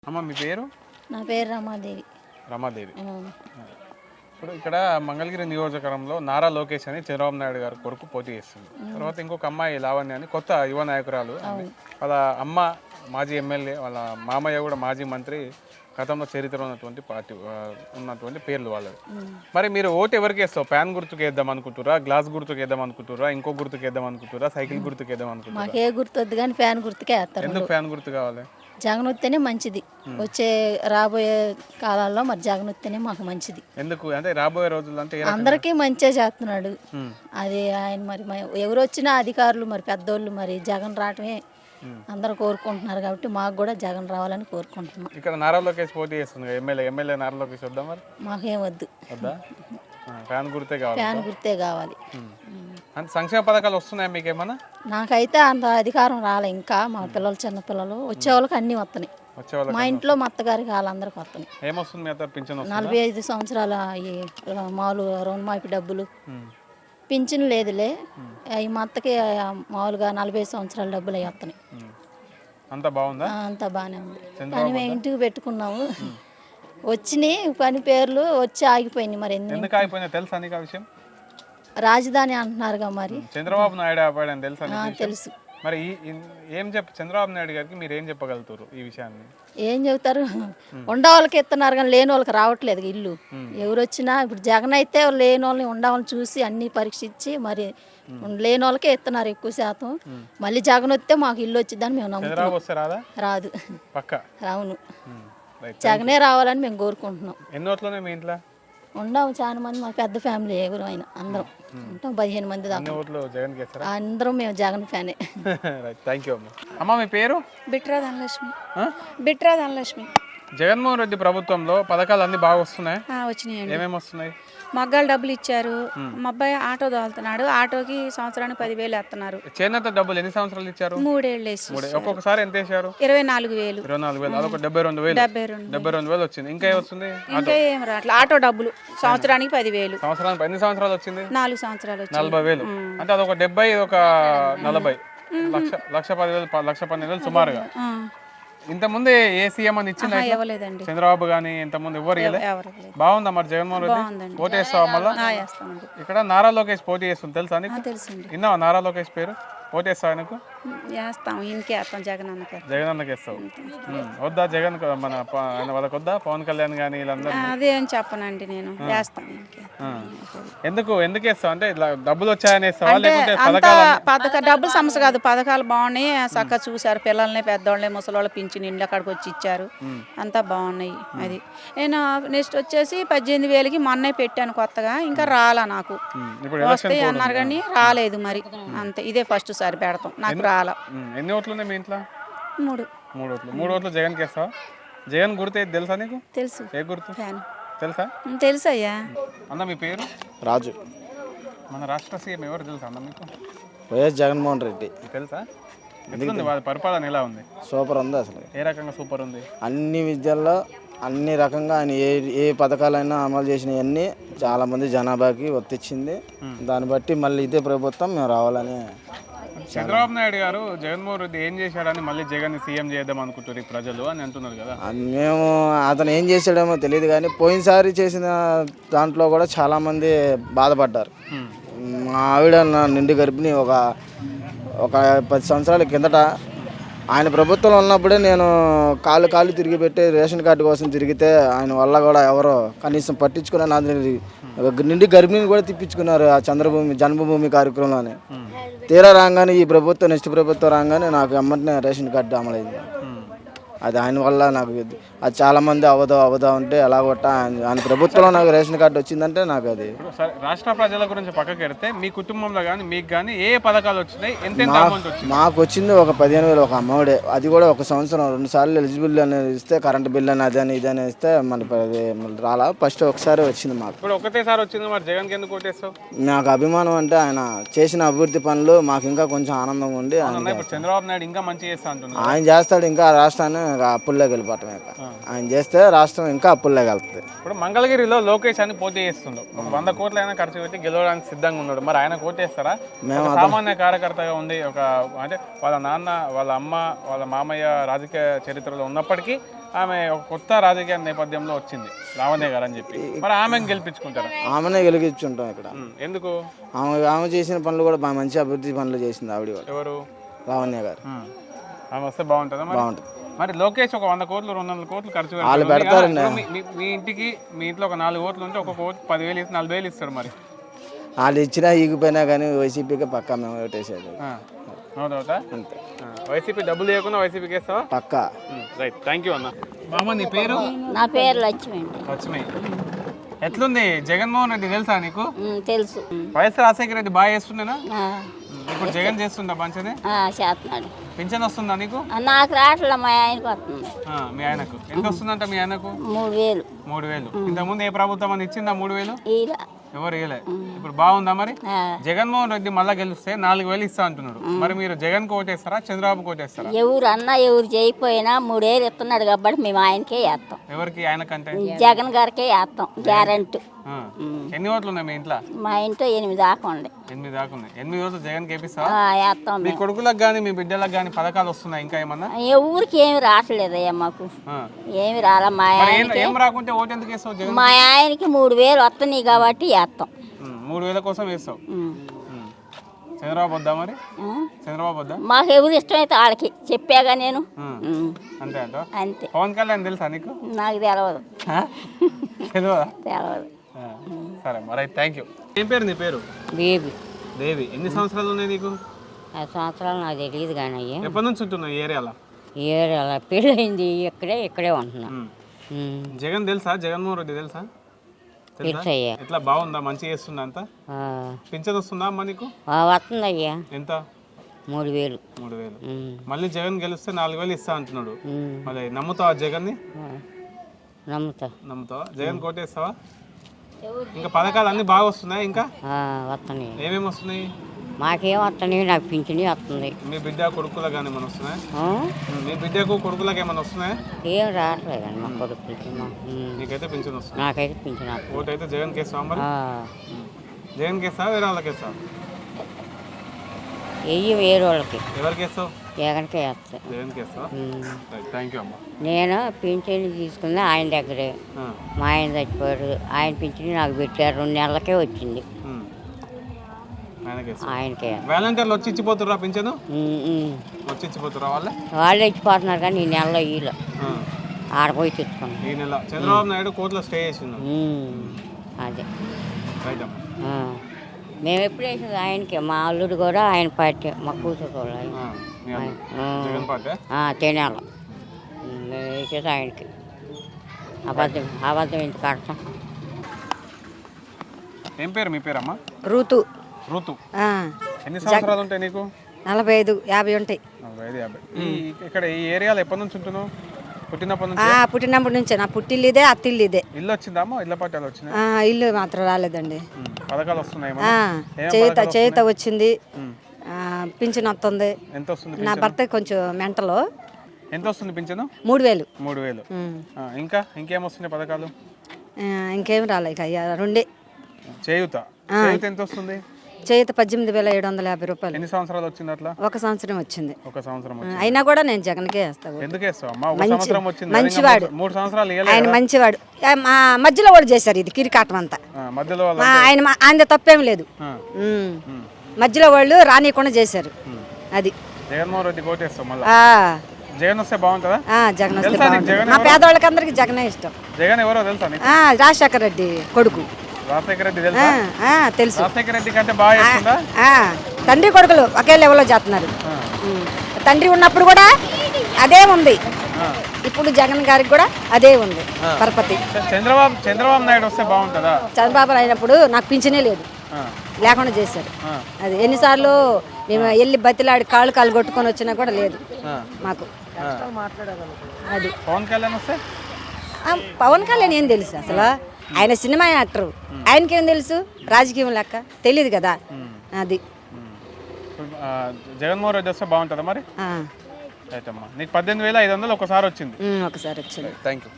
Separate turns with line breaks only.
అమ్మ మీ పేరు?
నా పేరు రమాదేవి.
రమాదేవి. ఇప్పుడు ఇక్కడ మంగళగిరి నియోజకవర్గంలో నారా లోకేష్ అని చంద్రబాబు నాయుడు గారి కొరకు పోటీ చేస్తుంది. తర్వాత ఇంకొక అమ్మాయి లావణ్య అని కొత్త యువ నాయకురాలు. వాళ్ళ అమ్మ మాజీ ఎమ్మెల్యే, వాళ్ళ మామయ్య కూడా మాజీ మంత్రి. గతంలో చరిత్ర ఉన్నటువంటి పార్టీ ఉన్నటువంటి పేర్లు వాళ్ళవి. మరి మీరు ఓటు ఎవరికి వేస్తావు? ప్యాన్ గుర్తుకు వేద్దాం అనుకుంటురా, గ్లాస్ గుర్తుకు వేద్దాం అనుకుంటురా, ఇంకో గుర్తుకు వేద్దాం అనుకుంటురా, సైకిల్ గుర్తుకు వేద్దాం అనుకుంటురా?
మాకు ఏ గుర్తు వద్దు కానీ ఫ్యాన్ గుర్తుకే వేస్తారు.
ఎందుకు ఫ్యాన్ గుర్తు కావాలి?
జగన్ వస్తేనే మంచిది. వచ్చే రాబోయే కాలాల్లో మరి జగన్ వస్తేనే మాకు మంచిది.
ఎందుకు అంటే రాబోయే రోజుల్లో అంటే
అందరికీ మంచిగా చేస్తున్నాడు. అది ఆయన మరి ఎవరు వచ్చినా అధికారులు మరి పెద్దోళ్ళు మరి జగన్ రావటమే అందరూ కోరుకుంటున్నారు కాబట్టి మాకు కూడా జగన్ రావాలని కోరుకుంటున్నాం.
ఇక్కడ నారా లోకేష్ పోటీ చేస్తుంది, ఎమ్మెల్యే నారా లోకేష్ వద్దాం. మరి
మాకేం వద్దు,
వద్దా? ఫ్యాన్ గుర్తే కావాలి.
ఫ్యాన్ గుర్తే కావాలి.
అంటే సంక్షేమ పథకాలు వస్తున్నాయా మీకేమన్నా?
నాకైతే అంత అధికారం రాలే ఇంకా. మా పిల్లలు చిన్నపిల్లలు వచ్చే వాళ్ళకి అన్నీ వస్తున్నాయి. మా ఇంట్లో మా అత్తగారికి వాళ్ళందరికీ వస్తున్నాయి.
ఏమొస్తుంది మీ అత్త? పింఛన్
45 సంవత్సరాల ఈ మామూలు రుణమాఫీ డబ్బులు. పింఛన్ లేదులే, ఈ మా అత్తకి మామూలుగా 45 సంవత్సరాల డబ్బులు అవి వస్తున్నాయి.
అంత బాగుందా?
అంతా బాగానే ఉంది. కానీ మేము ఇంటికి పెట్టుకున్నాము, వచ్చినాయి పని పేర్లు వచ్చి ఆగిపోయినాయి. మరి
ఎందుకు ఆగిపోయినా తెలుసా నీకు ఆ విషయం?
రాజధాని అంటున్నారుగా, మరి
చంద్రబాబు నాయుడు ఆపాడని తెలుసా?
తెలుసు. మరి
ఏం చంద్రబాబు నాయుడు గారికి మీరు ఏం చెప్పగలుగుతారు ఈ విషయాన్ని?
ఏం చెబుతారు, ఉండవాళ్ళకి ఇస్తున్నారు కానీ లేని వాళ్ళకి రావట్లేదు ఇల్లు. ఎవరు వచ్చినా ఇప్పుడు జగన్ అయితే లేని వాళ్ళని ఉండవాళ్ళని చూసి అన్ని పరీక్షించి మరి లేని వాళ్ళకే ఇస్తున్నారు ఎక్కువ శాతం. మళ్ళీ జగన్ వస్తే మాకు ఇల్లు వచ్చిందని మేము నమ్ముతున్నాం. రాదు, అవును, జగనే రావాలని మేము కోరుకుంటున్నాం.
ఎన్ని ఓట్లునే మీ ఇంట్లో?
ఉండవు చాలా మంది, మా పెద్ద ఫ్యామిలీ ఎవరు అయినా అందరం ఉంటాం, 15 మంది దాకా. అందరం మేము జగన్ ఫ్యానే.
అమ్మ మీ పేరు?
బిట్రా ధనలక్ష్మి.
జగన్మోహన్ రెడ్డి ప్రభుత్వంలో పథకాలు అన్ని బాగా వస్తున్నాయి.
వచ్చినాయండి.
ఏమేమి వస్తున్నాయి?
మగ్గాలు డబ్బులు ఇచ్చారు. మా అబ్బాయి ఆటో తోలుతున్నాడు, ఆటోకి సంవత్సరానికి 10,000 వేస్తున్నారు.
చేనేత డబ్బులు ఎన్ని సంవత్సరాలు ఇచ్చారు?
3 ఏళ్ళు వేసి.
ఒక్కొక్కసారి ఎంత వేసారు?
24,000.
24,000 అదొక 72,000 వచ్చింది. ఇంకా ఏమొస్తుంది?
ఇంకా ఏం రావట్లేదు. ఆటో డబ్బులు సంవత్సరానికి 10,000.
సంవత్సరానికి ఎన్ని సంవత్సరాలు వచ్చింది?
4 సంవత్సరాలు వచ్చింది.
40,000. అంటే అదొక 70, ఒక 40, 1,10,000 సుమారుగా. ఇంతకుముందే ఏ సీఎం అని ఇచ్చింది? చంద్రబాబు గానీ ఇంతకుముందు ఎవరు బాగుందా మరి జగన్మోహన్ రెడ్డి? పోటీ చేస్తావా మళ్ళా? ఇక్కడ నారా లోకేష్ పోటీ చేస్తుంది, తెలుసా నీకు? విన్నావా నారా లోకేష్ పేరు? పోటీ చేస్తావు ఆయనకు? జగన్ అన్నకి వేస్తావు. వద్దా జగన్ మన వాళ్ళకి వద్దా? పవన్ కళ్యాణ్ కానీ వీళ్ళందరూ?
అదేం చెప్పనండి, నేను వేస్తాను.
ఎందుకు వేస్తావు? అంటే డబ్బులు వచ్చాయని వేస్తావా?
డబ్బులు సమస్య కాదు, పథకాలు బాగున్నాయి. చక్కగా చూసారు, పిల్లల్ని పెద్దవాళ్ళని ముసలి పింఛన్ ఇండ్ల అక్కడికి వచ్చి ఇచ్చారు, అంతా బాగున్నాయి. అది నేను నెక్స్ట్ వచ్చేసి 18,000కి మొన్నే పెట్టాను కొత్తగా, ఇంకా రాలా నాకు. వస్తాయి అన్నారు కానీ రాలేదు. మరి అంతే, ఇదే ఫస్ట్ సారి పెడతాం, నాకు రాలా.
ఎన్ని ఓట్లు ఉన్నాయి మీ ఇంట్లో?
3
ఓట్లు జగన్ కి వేస్తావా? జగన్ గుర్తు ఏది తెలుసా నీకు?
తెలుసు.
ఏ గుర్తు తెలుసా?
తెలుసయ్యా.
అన్న మీ పేరు?
రాజు.
మన రాష్ట్ర సీఎం ఎవరు తెలుసా అన్న మీకు?
వైఎస్ జగన్మోహన్ రెడ్డి.
తెలుసా? ఎందుకు వాళ్ళ పరిపాలన ఎలా ఉంది?
సూపర్ ఉంది. అసలు
ఏ రకంగా సూపర్ ఉంది?
అన్ని విద్యల్లో అన్ని రకంగా ఆయన ఏ పథకాలైనా అమలు చేసినవన్నీ చాలా మంది జనాభాకి వర్తించింది. దాన్ని బట్టి మళ్ళీ ఇదే ప్రభుత్వం మేము రావాలని.
చంద్రబాబు నాయుడు గారు జగన్మోహన్ రెడ్డి ఏం చేశాడని మళ్ళీ జగన్ సీఎం చేద్దాం అనుకుంటారు ప్రజలు అని అంటున్నారు కదా.
మేము అతను ఏం చేశాడేమో తెలియదు కానీ పోయినసారి చేసిన దాంట్లో కూడా చాలామంది బాధపడ్డారు. మా ఆవిడ నిండు గర్భిణి ఒక 10 సంవత్సరాల కిందట ఆయన ప్రభుత్వంలో ఉన్నప్పుడే నేను కాళ్ళు తిరిగి పెట్టి రేషన్ కార్డు కోసం తిరిగితే ఆయన వల్ల కూడా ఎవరో కనీసం పట్టించుకునే నిండి గర్భిణిని కూడా తిప్పించుకున్నారు ఆ జన్మభూమి కార్యక్రమంలోనే. తీరా రాగానే ఈ ప్రభుత్వం నెక్స్ట్ ప్రభుత్వం రాగానే నాకు ఎమ్మటనే రేషన్ కార్డు అమలైంది. అది ఆయన వల్ల నాకు అది చాలామంది అవదా ఉంటే ఎలా కొట్ట ఆయన ప్రభుత్వంలో నాకు రేషన్ కార్డు వచ్చిందంటే నాకు అది.
రాష్ట్ర ప్రజల గురించి పక్కకి పెడితే మీ కుటుంబంలో కానీ మీకు కానీ ఏ పథకాలు వచ్చినాయి?
మాకు వచ్చింది ఒక 15,000 ఒక అమ్మఒడే. అది కూడా ఒక సంవత్సరం 2 సార్లు ఎలిజిబుల్ అనేది ఇస్తే, కరెంట్ బిల్ అని అదని ఇదని ఇస్తే మనకి రాలా. ఫస్ట్ ఒకసారి వచ్చింది మాకు.
ఇప్పుడు ఒకటేసారి వచ్చింది. మరి జగన్కి ఎందుకు ఓటేస్తావు?
నాకు అభిమానం అంటే ఆయన చేసిన అభివృద్ధి పనులు మాకు ఇంకా కొంచెం ఆనందంగా ఉండి.
చంద్రబాబు నాయుడు ఇంకా మంచి చేస్తా అంటున్నారు.
ఆయన చేస్తాడు, ఇంకా రాష్ట్రాన్ని అప్పుల్లోకి వెళ్ళిపోవటమే. ఆయన చేస్తే రాష్ట్రం ఇంకా అప్పుల్లోకి వెళ్తుంది.
ఇప్పుడు మంగళగిరిలో లోకేష్ అని పోటీ చేస్తుండు. 100 కోట్లైనా ఖర్చు పెట్టి గెలవడానికి సిద్ధంగా ఉన్నాడు. మరి ఆయన కోటేస్తారా? మేము సామాన్య కార్యకర్తగా ఉంది. అంటే వాళ్ళ నాన్న, వాళ్ళ అమ్మ, వాళ్ళ మామయ్య రాజకీయ చరిత్రలో ఉన్నప్పటికీ ఆమె ఒక కొత్త రాజకీయ నేపథ్యంలో వచ్చింది లావణ్య గారు అని చెప్పి, మరి ఆమెను గెలిపించుకుంటారా?
ఆమెనే గెలిపించుంటాం ఇక్కడ.
ఎందుకు?
ఆమె చేసిన పనులు కూడా బాగా మంచి అభివృద్ధి పనులు చేసింది ఆవిడ వాళ్ళు.
ఎవరు?
లావణ్య గారు.
ఆమె వస్తే బాగుంటుందా?
బాగుంటుంది.
మరి లోకేష్ ఒక 100 కోట్లు 200 కోట్లు ఖర్చు
వాళ్ళు పెడతారండి.
మీ ఇంటికి మీ ఇంట్లో ఒక 4 ఓట్లు ఉంటే ఒక కోటి 10,000 ఇస్తే 40,000 ఇస్తారు. మరి
వాళ్ళు ఇచ్చినా ఈగిపోయినా కానీ వైసీపీకి పక్కా మేము ఓటేసేది
అవుతా.
అంతే.
వైసీపీ డబ్బులు లేకుండా వైసీపీకి వేస్తావా?
పక్కా.
రైట్, థ్యాంక్ యూ అన్న. మామ నీ పేరు?
నా పేరు లక్ష్మి అండి.
లక్ష్మి. ఎట్లుంది జగన్మోహన్ రెడ్డి తెలుసా నీకు?
తెలుసు.
వైఎస్ రాజశేఖర రెడ్డి బాగా చేస్తుండేనా? ఇప్పుడు జగన్ చేస్తుందా మంచిది?
చేస్తున్నాడు.
పింఛన్ వస్తుందా నీకు?
నాకు రావట్లే, మా ఆయనకు వస్తుంది.
మీ ఆయనకు ఎంత వస్తుందంట? మీ ఆయనకు
3,000.
3,000. ఇంతకుముందు ఏ ప్రభుత్వం అని ఇచ్చిందా 3,000?
ఇలా
ఎవరు ఇవ్వలే. ఇప్పుడు బాగుందా మరి? జగన్మోహన్ రెడ్డి మళ్ళా గెలిస్తే 4,000 ఇస్తా అంటున్నాడు. మరి మీరు జగన్ కోటేస్తారా చంద్రబాబు కోటేస్తారా?
ఎవరు అన్నా ఎవరు చేయకపోయినా 3,000 ఇస్తున్నాడు కాబట్టి మేము ఆయనకే వేస్తాం.
ఎవరికి? ఆయనకంటే
జగన్ గారికే వేస్తాం గ్యారెంటీ.
ఎన్ని ఓట్లు ఉన్నాయి మీ ఇంట్లో?
మా ఇంట్లో 8 దాకా ఉండే.
8 దాకా ఉన్నాయి. 8 ఓట్లు జగన్ కేపిస్తావా?
వేస్తాం.
మీ కొడుకులకు కానీ మీ బిడ్డలకు కానీ పథకాలు వస్తున్నాయి ఇంకా ఏమన్నా?
ఎవరికి ఏమి రావట్లేదయ్యా మాకు. ఏమి రాలా. మా ఆయనకి
ఏం రాకుంటే ఓటు ఎందుకు వేస్తావు జగన్?
మా ఆయనకి 3,000 వస్తున్నాయి కాబట్టి వేస్తాం.
3,000 కోసం వేస్తావు. చంద్రబాబు వద్దా మరి? చంద్రబాబు వద్దా?
మాకు ఎవరు ఇష్టమైతే వాళ్ళకి చెప్పాగా నేను.
అంతే అంట.
అంతే.
పవన్ కళ్యాణ్ తెలుసా నీకు?
నాకు తెలియదు.
తెలియదా?
తెలియదు.
సరే మరి, థ్యాంక్ యూ. ఏం పేరు నీ పేరు?
బేబీ.
దేవి. ఎన్ని సంవత్సరాలు ఉన్నాయి నీకు?
5 సంవత్సరాలు నాకు తెలియదు కానీ అయ్యా.
ఎప్పటి నుంచి ఉంటున్నావు ఈ ఏరియాలో?
ఏరియాలో పెళ్ళయింది, ఇక్కడే ఉంటున్నా.
జగన్ తెలుసా? జగన్మోహన్ రెడ్డి తెలుసా?
తెలుసయ్యా.
ఎట్లా బాగుందా? మంచిగా చేస్తుందా? అంతా పింఛన్ వస్తుందా అమ్మ నీకు?
వస్తుందయ్యా.
ఎంత?
3,000.
3,000. మళ్ళీ జగన్ గెలిస్తే 4,000 ఇస్తా అంటున్నాడు. మళ్ళీ నమ్ముతావా జగన్ని? నమ్ముతావా? జగన్ కోటేస్తావా? ఇంకా పథకాలు అన్ని బాగా వస్తున్నాయి? ఇంకా
వస్తున్నాయి.
ఏమేమి వస్తున్నాయి?
మాకేం వస్తున్నాయి, నాకు పింఛని వస్తుంది.
మీ బిడ్డ కొడుకులకు కానీ ఏమైనా వస్తున్నాయి? మీ బిడ్డకు కొడుకులకు ఏమైనా వస్తున్నాయి?
ఏం రావట్లేదండి మా కొడుకులకి.
నీకైతే పింఛన్ వస్తుంది?
నాకైతే పింఛన్ వస్తుంది.
ఓటు అయితే జగన్ కేస్తావా మరి? జగన్ కేస్తావా వేరే వాళ్ళకి వేస్తావా?
వేరే వాళ్ళకి.
ఎవరికి వేస్తావు?
జగన్కే వేస్తా.
జగన్ కేస్తావా? థ్యాంక్ యూ అమ్మ.
నేను పింఛన్ తీసుకున్నా ఆయన దగ్గరే. మా ఆయన చచ్చిపోయాడు. ఆయన పింఛని నాకు పెట్టారు, 2 నెలలకే వచ్చింది. ఆయనకే.
వాలంటీర్లు వచ్చి ఇచ్చిపోతుర్రా పింఛను? వచ్చి ఇచ్చిపోతుర్రా?
వాళ్ళే ఇచ్చిపోతున్నారు కానీ ఈ నెలలో వీళ్ళు ఆడపోయి తెచ్చుకున్నాం.
ఈ నెల చంద్రబాబు నాయుడు కోర్టులో స్టే చేసిండు.
అదే
రైట్ అమ్మా.
మేము ఎప్పుడు వేసింది ఆయనకి. మా అల్లుడు కూడా ఆయన పార్టీ, మా కూతురు కూడా
జగన్ పార్టీ
తినాల. మేము వేసేది ఆయనకి. అబద్ధం ఎందుకు ఆడతాం?
ఏం పేరు మీ పేరమ్మా?
ఋతు.
ఋతు. ఎన్ని సంవత్సరాలు ఉంటాయి నీకు?
45, 50 ఉంటాయి.
45, 50. ఇక్కడ ఈ ఏరియాలో ఎప్పటి నుంచి ఉంటున్నావు? పుట్టినప్పటి నుంచి?
పుట్టినప్పటి నుంచే. నా పుట్టిల్లు ఇదే, అత్తిల్లు ఇదే.
ఇల్లు వచ్చిందమ్మా? ఇళ్ళ పట్టాలు వచ్చినాయి?
ఇల్లు మాత్రం రాలేదండి.
పథకాలు వస్తున్నాయి?
చేత వచ్చింది, పింఛన్ వస్తుంది.
ఎంత వస్తుంది?
నా భర్త కొంచెం మెంటలు.
ఎంత వస్తుంది పింఛను?
3,000.
3,000. ఇంకేం వస్తున్నాయి పథకాలు?
ఇంకేం రాలే ఇక అయ్యా, 2.
చేయూత ఎంత వస్తుంది?
చేత 18,750 రూపాయలు.
ఎన్ని సంవత్సరాలు వచ్చింది అట్లా?
1 సంవత్సరం వచ్చింది.
1 సంవత్సరం
అయినా కూడా నేను జగన్కే వేస్తాను.
ఎందుకు వేస్తావు అమ్మా? 1 సంవత్సరం వచ్చింది.
మంచివాడు.
3 సంవత్సరాలు
ఆయన మంచివాడు. మా మధ్యలో కూడా చేశారు ఇది కిరికాటం అంతా.
మధ్యలో
ఆయన తప్పేం లేదు. మధ్యలో వాళ్ళు రానియకుండా చేశారు. అది
జగన్మోహన్ రెడ్డి కోటేస్తాం మళ్ళీ. జగన్ వస్తే బాగుంటుందా?
జగన్ వస్తే మా పేదవాళ్ళకి అందరికి జగనే ఇష్టం.
జగన్ ఎవరో తెలుసా?
రాజశేఖర రెడ్డి కొడుకు.
రాజశేఖర రెడ్డి తెలుసా?
తెలుసు.
రాజశేఖర రెడ్డి కంటే బాగా చేస్తుందా?
తండ్రి కొడుకులు ఒకే లెవెల్లో చేస్తున్నారు. తండ్రి ఉన్నప్పుడు కూడా అదే ఉంది, ఇప్పుడు జగన్ గారికి కూడా అదే ఉంది పరపతి.
చంద్రబాబు నాయుడు వస్తే బాగుంటుందా?
చంద్రబాబు అయినప్పుడు నాకు పింఛనే లేదు, లేకుండా చేశారు. అది ఎన్నిసార్లు మేము వెళ్ళి బతిలాడి కాళ్ళు కొట్టుకొని వచ్చినా కూడా లేదు మాకు. అది
పవన్ కళ్యాణ్ వస్తే?
పవన్ కళ్యాణ్ ఏం తెలుసు అసలు? ఆయన సినిమా యాక్టర్, ఆయనకేం తెలుసు? రాజకీయం లెక్క తెలియదు కదా. అది
జగన్మోహన్ రెడ్డి వస్తే బాగుంటుందా మరి? అయితే అమ్మా, నీకు 18,500 ఒకసారి వచ్చింది.
ఒకసారి వచ్చింది.
Thank you.